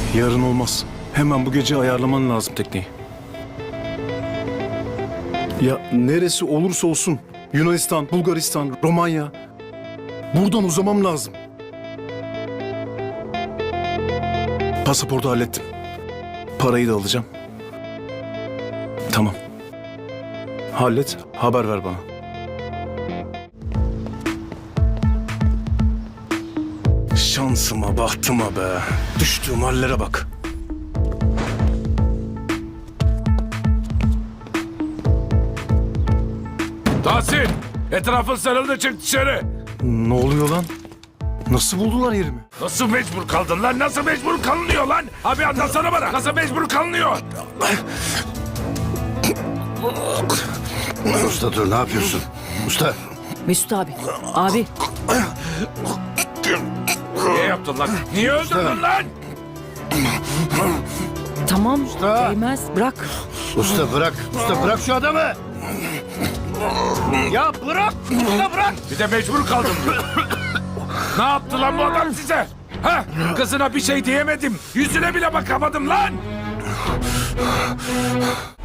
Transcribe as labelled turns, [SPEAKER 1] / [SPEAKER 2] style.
[SPEAKER 1] Yarın olmaz. Hemen bu gece ayarlaman lazım tekneyi. Ya neresi olursa olsun. Yunanistan, Bulgaristan, Romanya. Buradan uzamam lazım. Pasaportu hallettim. Parayı da alacağım. Tamam. Hallet, haber ver bana. Şansıma, bahtıma be. Düştüğüm hallere bak.
[SPEAKER 2] Tahsin! Etrafın sarıldı, çık dışarı!
[SPEAKER 1] Ne oluyor lan? Nasıl buldular yerimi?
[SPEAKER 2] Nasıl mecbur kaldın lan? Nasıl mecbur kalınıyor lan? Abi anlatsana bana. Nasıl mecbur kalınıyor?
[SPEAKER 3] Usta dur, ne yapıyorsun? Usta.
[SPEAKER 4] Mesut abi. Abi.
[SPEAKER 2] Niye yaptın lan? Niye öldürdün lan?
[SPEAKER 4] Tamam. Değmez. Bırak.
[SPEAKER 3] Usta bırak. Usta bırak şu adamı. Ya bırak. Usta bırak.
[SPEAKER 2] Bir de mecbur kaldım diyor. Ne yaptı lan bu adam size? Ha? Kızına bir şey diyemedim. Yüzüne bile bakamadım lan.